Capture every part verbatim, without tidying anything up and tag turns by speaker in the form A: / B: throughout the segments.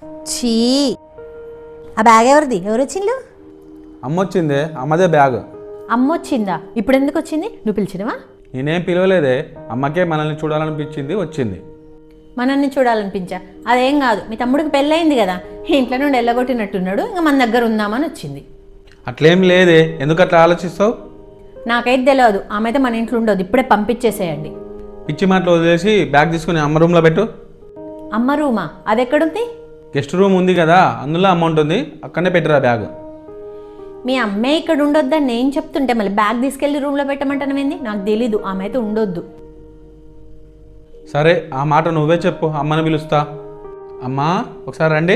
A: చీ, ఆ బ్యాగ్ ఎవరిది? ఎవరు వచ్చిండు?
B: అమ్మ వచ్చిందే, అమ్మదే బ్యాగ్.
A: అమ్మ వచ్చిందా? ఇప్పుడు ఎందుకు వచ్చింది? నువ్వు పిలిచినవా?
B: నేనేం పిలవలేదే, అమ్మకే మనల్ని చూడాలనిపించింది వచ్చింది.
A: మనల్ని చూడాలనిపించా? అదేం కాదు, మీ తమ్ముడికి పెళ్ళయింది కదా, ఇంట్లో నుండి ఎల్లగొట్టినట్టున్నాడు, ఇంకా మన దగ్గర ఉందామని వచ్చింది.
B: అట్లేం లేదే, ఎందుకు అట్లా ఆలోచిస్తావు?
A: నాకైతే తెలియదు, ఆమె అయితే మన ఇంట్లో ఉండదు, ఇప్పుడే పంపించేసేయండి.
B: పిచ్చి మాటలు వదిలేసి బ్యాగ్ తీసుకుని అమ్మ రూమ్లో పెట్టు.
A: అమ్మ రూమా? అది ఎక్కడుంది?
B: గెస్ట్ రూమ్ ఉంది కదా, అందులో అమ్మ ఉంటుంది, అక్కడనే పెట్టిరా బ్యాగ్.
A: మీ అమ్మే ఇక్కడ ఉండొద్దని నేను చెప్తుంటే మళ్ళీ బ్యాగ్ తీసుకెళ్ళి రూమ్లో పెట్టమంటానమేంది? నాకు తెలీదు, ఆమె అయితే ఉండొద్దు.
B: సరే, ఆ మాట నువ్వే చెప్పు, అమ్మని పిలుస్తా. అమ్మా ఒకసారి రండి.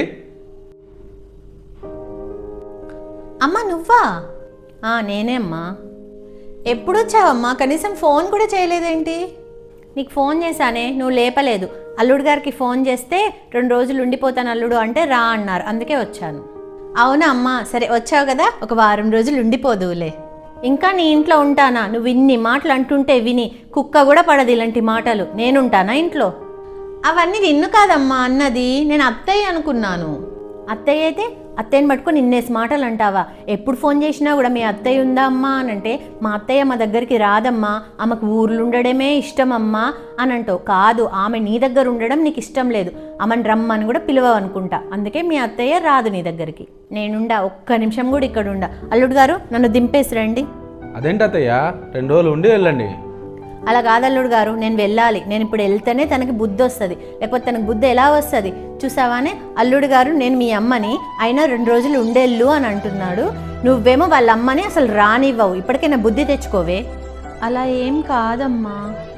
A: అమ్మా నువ్వా? నేనే అమ్మా. ఎప్పుడు వచ్చావమ్మా? కనీసం ఫోన్ కూడా చేయలేదేంటి? నీకు ఫోన్ చేశానే, నువ్వు లేపలేదు. అల్లుడు గారికి ఫోన్ చేస్తే రెండు రోజులు ఉండిపోతాను అల్లుడు అంటే రా అన్నారు, అందుకే వచ్చాను. అవునా అమ్మా? సరే వచ్చావు కదా, ఒక వారం రోజులు ఉండిపోదువులే. ఇంకా నీ ఇంట్లో ఉంటానా? నువ్వు ఇన్ని మాటలు అంటుంటే విని కుక్క కూడా పడదు ఇలాంటి మాటలు. నేనుంటానా ఇంట్లో? అవన్నీ నిన్ను కాదమ్మా అన్నది, నేను అత్తయ్య అనుకున్నాను. అత్తయ్య అయితే అత్తయ్యని పట్టుకొని ఇన్నేసి మాటలు అంటావా? ఎప్పుడు ఫోన్ చేసినా కూడా మీ అత్తయ్య ఉందా అమ్మా అని అంటే, మా అత్తయ్య మా దగ్గరికి రాదమ్మా, ఆమెకు ఊర్లు ఉండడమే ఇష్టం అమ్మా అని అంటావు. కాదు, ఆమె నీ దగ్గర ఉండడం నీకు ఇష్టం లేదు, ఆమెను రమ్మని కూడా పిలవనుకుంటా, అందుకే మీ అత్తయ్య రాదు నీ దగ్గరికి. నేనుండా, ఒక్క నిమిషం కూడా ఇక్కడ ఉండా. అల్లుడు గారు నన్ను దింపేసి రండి.
B: అదేంటి అత్తయ్య, రెండు రోజులు ఉండి వెళ్ళండి.
A: అలా కాదు అల్లుడు గారు, నేను వెళ్ళాలి. నేను ఇప్పుడు వెళ్తేనే తనకి బుద్ధి వస్తుంది, లేకపోతే తనకు బుద్ధి ఎలా వస్తుంది? చూసావానే అల్లుడు గారు, నేను మీ అమ్మని, అయినా రెండు రోజులు ఉండేళ్ళు అని అంటున్నాడు. నువ్వేమో వాళ్ళ అమ్మని అసలు రానివ్వవు. ఇప్పటికైనా బుద్ధి తెచ్చుకోవే. అలా ఏం కాదమ్మా.